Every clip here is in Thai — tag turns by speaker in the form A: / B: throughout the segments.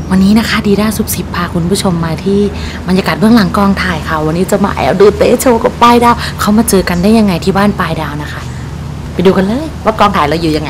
A: วันนี้นะคะดีด้าซุปซิปพาคุณผู้ชมมาที่บรรยากาศเบื้องหลังกองถ่ายค่ะวันนี้จะมาแอบดูเตะโชว์กับปลายดาวเขามาเจอกันได้ยังไงที่บ้านปลายดาวนะคะไปดูกันเลยว่ากองถ่ายเราอยู่ยังไง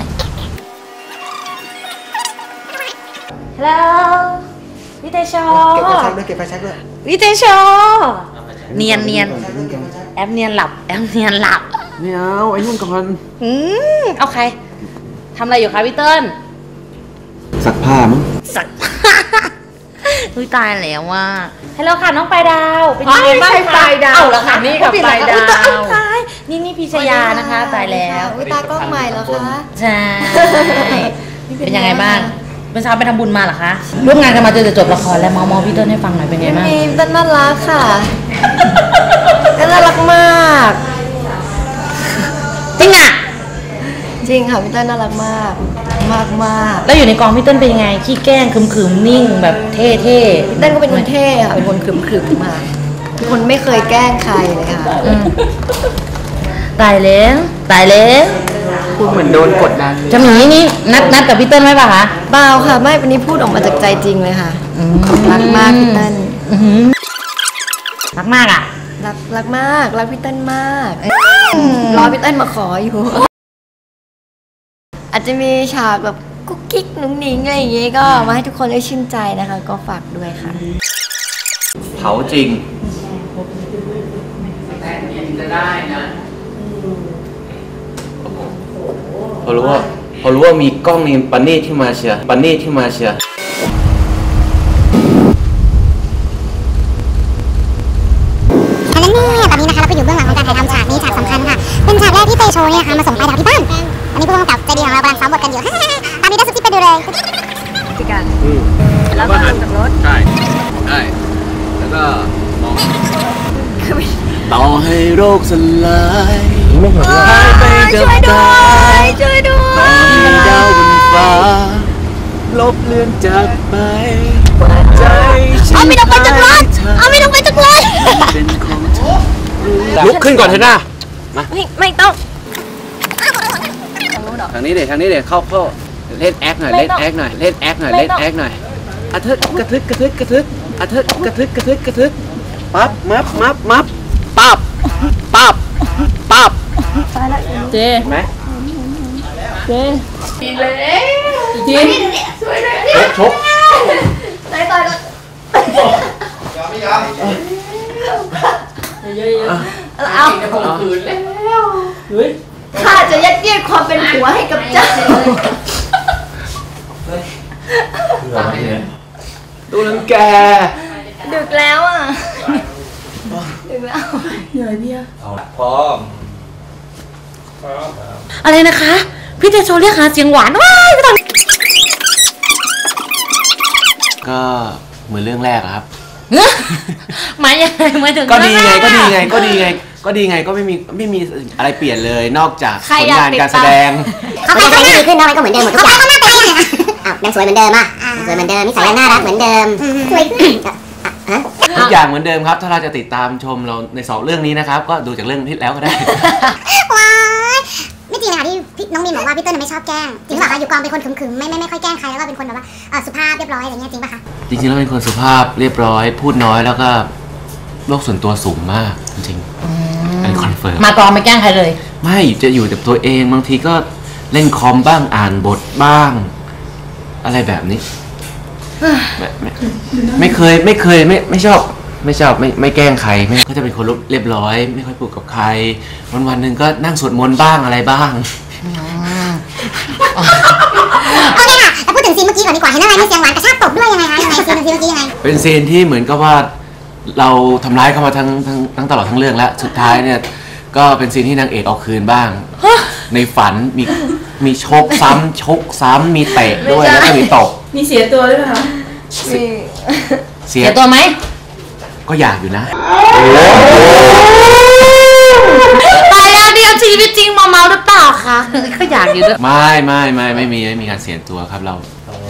A: ฮัลโหลวิเตโชเก็บไฟแช็กด้วยเก็บไฟแช็กด้วยวิเตโชเนียนแอปเนียนหลับ
B: ไม่เอาไอ้นุ่นก่อน
A: เอาใครทำอะไรอยู่คะพี่เติ้ล
B: ซักผ้ามั้ง
A: ซักอุ้ยตายแล้วว่าฮัลโหลค่ะน้องปลายดาวเป็นยังไงบ้างคะ
C: ปลายดาว
A: เหรอคะ
C: นี่กับปลายดาว
A: นี่พิชยานะคะตายแล้ว
C: อุ้ยตากล้องใหม่เหรอคะ
A: ใช่เป็นยังไงบ้างเป็นเช้าไปทำบุญมาเหรอคะร่วมงานกันมาจนจะจบละครแล้วมอพี่เติ้ลให้ฟังหน่อยเป็นไงบ้าง
C: พี่เติ้ลน่ารักค่ะน่ารักมาก
A: จริงอ่ะ
C: จริงค่ะพี่เติ้ลน่ารักมาก
A: แล้วอยู่ในกองพี่เติ้ลเป็นยังไงขี้แกล้งขึมนิ่งแบบเท่พี่
C: เติ้ลก็เป็นคนเท่ค่ะเป็นคนขึมมาเป็นคนไม่เคยแกล้งใครเลยค่ะ
A: ตายแล้ว
B: พูดเหมือนโดนกดดัน
A: จะมีนี่นัดกับพี่เติ้ลไหมป่ะคะ
C: เปล่าค่ะไม่วันนี้พูดออกมาจากใจจริงเลยค่ะรักมากพี่เติ้ล
A: รักมากอ่ะ
C: รักมากรักพี่เติ้ลมากรอพี่เติ้ลมาขออยู่อาจจะมีฉากแบบกุ๊กกิ๊กนุ้งนิ้งอะไรอย่างงี้ก็มาให้ทุกคนได้ชื่นใจนะคะก็ฝากด้วยค่ะ
B: เผาจริง
D: จะได้นะ
B: พอรู้ว่ามีกล้องนี่ปันนี่ที่มาเชียร์อันนี้ตอน
E: นี้นะคะเราก็อยู่เบื้องหลังของการถ่ายทำฉากนี้ฉากสำคัญค่ะเป็นฉากแรกที่เตโชเนี่ยค่ะมาส่งปลายดาวที่บ้านอันนี้ผู้กำกับใจดีของเรากำลังซ้อมบทกันอยู่ตามนี้ได้สุดที่ไปดูเลย
C: จิกันแล้วก็ลงจากรถ
D: ใช่แล้วก็มอง
B: ต่อให้โรคสลาย
C: หายไปกับตาช่วยด้วย
B: ต่อให้ดาวบนฟ้าลบเลือนจากไปใจ
C: เอาไม่ต้องไปจากรถ
B: เป็นของเธอลุกขึ้นก่อนเถอะนะมา
C: ไม่ต้อง
B: ทางนี้เดี๋ยวเข้าเล่นแอคหน่อยอะเถิดกระทึกอะเถิดกระทึกปั๊บมับปั๊บ
A: เจ๊
B: ไหม
A: ดีเลยจริง
B: ชก
C: ต่อยก่อนเอา
D: จะข่มขืนแล้ว
C: ข้าจะยัดเยียดความเป็นผัวให้กับเจ้า
B: ดูนังแก
C: ดึกแล้วอ่ะดึกแล้ว
A: เหนื่อยพี่
B: พร้อม
A: อะไรนะคะพี่เตโชเรียกหาเสียงหวานว้ายไม่ต้อง
B: ก็เหมือนเรื่องแรกครับ
A: หมายยังไงมาถึง
B: ก็ดีไงก็ไม่มีอะไรเปลี่ยนเลยนอกจากผลงานการแสดง
E: เขาไปดีขึ้นเนาะมันก็เหมือนเดิมหมดทุกอย่างยังสวยเหมือนเดิมสวยเหมือนเดิมนิสัยน่ารักเหมือนเดิมสวย
B: ทุกอย่างเหมือนเดิมครับถ้าเราจะติดตามชมเราใน2เรื่องนี้นะครับก็ดูจากเรื่องที่แล้วก็ได้
E: ว้ายไม่จริงนะคะที่น้องมีนบอกว่าพี่เติ้ลไม่ชอบแกล้งจริงป่ะคะอยู่กองเป็นคนขึมๆไม่ค่อยแกล้งใครแล้วก็เป็นคนแบบว่าสุภาพเรียบร้อยอะไรเงี้ยจริงป่ะคะ
B: จริงๆแล้วเป็นคนสุภาพเรียบร้อยพูดน้อยแล้วก็โลกส่วนตัวสูงมากจริงๆอันคอนเฟิร์ม
A: มากองไม่แกล้งใครเลย
B: ไม่จะอยู่แต่ตัวเองบางทีก็เล่นคอมบ้างอ่านบทบ้างอะไรแบบนี้ไม่เคยไม่ชอบไม่แกล้งใครก็จะเป็นคนเรียบร้อยไม่ค่อยพูดกับใครวันหนึ่งก็นั่งสวดมนต์บ้างอะไรบ้าง
E: โอเคค่ะแต่พูดถึงซีนเมื่อกี้ก่อนดีกว่าเห็นอะไรมีเสียงหวานกระชากตบด้วยยังไงคะยังไงซีนเมื่อกี้ยังไง
B: เป็นซีนที่เหมือนกับว่าเราทำร้ายเขามาทั้งตลอดทั้งเรื่องแล้วสุดท้ายเนี่ยก็เป็นซีนที่นางเอกเอาคืนบ้างในฝันมีชกซ้ำมีเตะด้วยแล้วก็มีตบ
A: มีเสียตัวด้วยคะเสียตัวไหม
B: ก็อยากอยู่นะ
A: ตายแล้วเดียวชีวิตจริงเมาหรือเปล่าคะก็อยากอยู่ด้วย
B: ไม่มีการเสียตัวครับเรา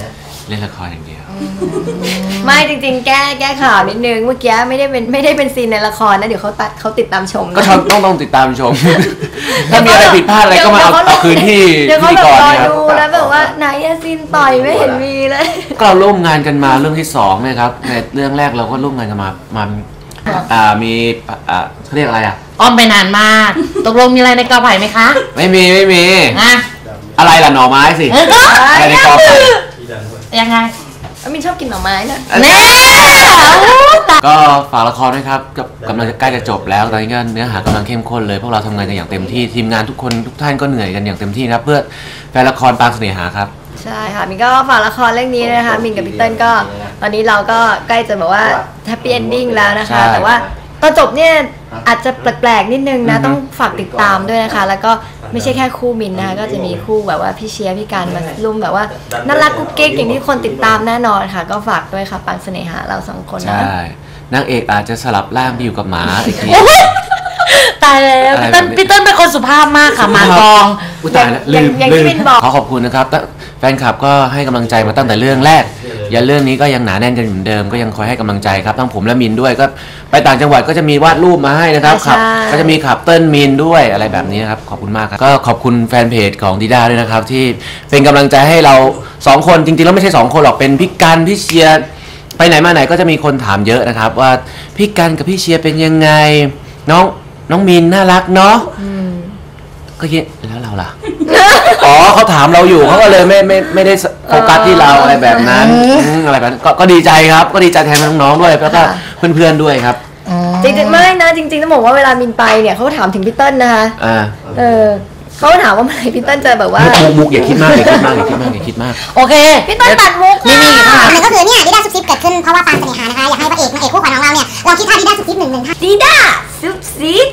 B: เล่นละครอย่างเดียว
C: ไม่จริงๆ แก้ข่าวนิดนึงเมื่อกี้ไม่ได้เป็นซีนในละครนะเดี๋ยวเขาติดตามชม
B: ก็
C: นะ
B: ต้องติดตามชม ถ้ามีอะไรผิดพลาดอะไรก็มาเอาคืนที่
C: เดี๋ยว
B: พิ
C: เขา
B: ธี
C: แบบ
B: กร
C: รอ
B: นะครับ
C: ดูนะแบบว่าไหนอะซีนต่อยไม่เห็นมีเลย
B: ก็เราร่วมงานกันมาเรื่องที่2เนี่ยครับในเรื่องแรกเราก็ร่วมงานกันมามีเขาเรียกอะไรอ่ะ
A: อ้อมไปนานมาก ตกลงมีอะไรในกอไผ่ไหมคะ
B: ไม่มี
A: อ่ะ
B: อะไรล่ะหน่อไม้สิ อะไรในกอไผ่
A: ยังไง
C: มินชอบกินหน่อไม้นะ
A: แน่
B: ก็ฝากละครด้วยครับกำลังจะใกล้จะจบแล้วตอนนี้ก็เนื้อหากำลังเข้มข้นเลยพวกเราทำงานกันอย่างเต็มที่ทีมงานทุกคนทุกท่านก็เหนื่อยกันอย่างเต็มที่นะครับเพื่อแฟนละครปางเสน่หาครับ
C: ใช่ค่ะมินก็ฝากละครเรื่องนี้นะคะมินกับพี่เติ้ลก็ตอนนี้เราก็ใกล้จะแบบว่าแฮปปี้เอนดิ้งแล้วนะคะ
B: ใช่
C: แต่ว่าตอนจบเนี่ยอาจจะแปลกๆนิดนึงนะต้องฝากติดตามด้วยนะคะ แล้วก็ไม่ใช่แค่คู่มินนะคะก็จะมีคู่แบบว่าพี่เชียร์พี่การมาร่วมแบบว่าน่ารักกุ๊กกิ๊กอย่างที่คนติดตามแน่นอนค่ะ ก็ฝากด้วยค่ะปางเสน่หาเรา2 คนนะ
B: ใช่นางเอกอาจจะสลับร่างไปอยู่กับหมาอีกที
A: ตายแล้ว
B: อะไรแบบนี้
A: พี่เติ้ลเป็นคนสุภาพมากค่ะมากอง
B: อุ๊ยตายแล้วลืม
C: อย่างที่มินบอก
B: ขอขอบคุณนะครับแฟนคลับก็ให้กำลังใจมาตั้งแต่เรื่องแรกยันเรื่องนี้ก็ยังหนาแน่นกันเหมือนเดิมก็ยังคอยให้กำลังใจครับทั้งผมและมินด้วยก็ไปต่างจังหวัดก็จะมีวาดรูปมาให้นะครับ
C: ใช่
B: ครับก็จะมีขับเติ้ลมินด้วยอะไรแบบนี้นะครับขอบคุณมากครับก็ขอบคุณแฟนเพจของดีด้าด้วยนะครับที่เป็นกำลังใจให้เรา2 คนจริงๆแล้วไม่ใช่2 คนหรอกเป็นพี่กันพี่เชียร์ไปไหนมาไหนก็จะมีคนถามเยอะนะครับว่าพี่กันกับพี่เชียร์เป็นยังไงน้องมินน่ารักเนาะก็คิดแล้วเราล่ะ อ๋อเขาถามเราอยู่เขาก็เลยไม่ได้โฟกัสที่เราอะไรแบบนั้นอะไรแบบนั้นก็ดีใจครับก็ดีใจแทนน้องๆด้วยแล้วก็เพื่อนๆด้วยครับ
C: จริงๆไม่นะจริงๆต้องบอกว่าเวลามินไปเนี่ยเขาถามถึงพี่เติ้ลนะคะ เขาถามว่าเมื่อไหร่พี่เติ้ลจะแบบว่า
B: มุกอย่าคิดมากอย่าคิดมากอย่าคิดมากอย่าคิดมาก
A: โอเค
C: พี่เติ้ลตัดมุก
A: นี่ค่ะ
E: หนึ่งก็คือเนี่ยดิด้าซุปซิปเกิดขึ้นเพราะว่าปางเสน่หานะคะอยากให้พระเอกนางเอกคู่ขวัญของเราเนี่ยลองคิดท่าดิด้าซุปซิป1 ท่า
C: ดีด้าซุปซิป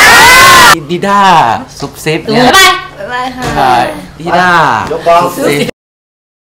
B: ดีด้าซุปซิปเนี่ย
A: ไป
C: บ๊ายบายค่ะ
B: ใช่ดีด้าซุปซิป